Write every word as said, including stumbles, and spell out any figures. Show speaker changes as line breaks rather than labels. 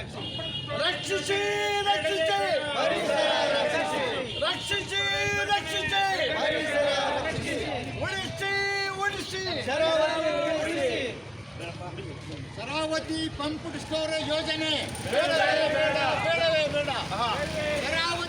ರಕ್ಷಿಸಿ ರಕ್ಷಿಸಿ ರಕ್ಷಿಸಿ ರಕ್ಷಿಸಿ ಉಳಿಸಿ ಉಳಿಸಿ ಶರಾವತಿ ಪಂಪ್ ಸ್ಟೋರ್ ಯೋಜನೆ ಬೇಡವೇ ಬೇಡ ಬೇಡವೇ ಬೇಡ. ಶರಾವತಿ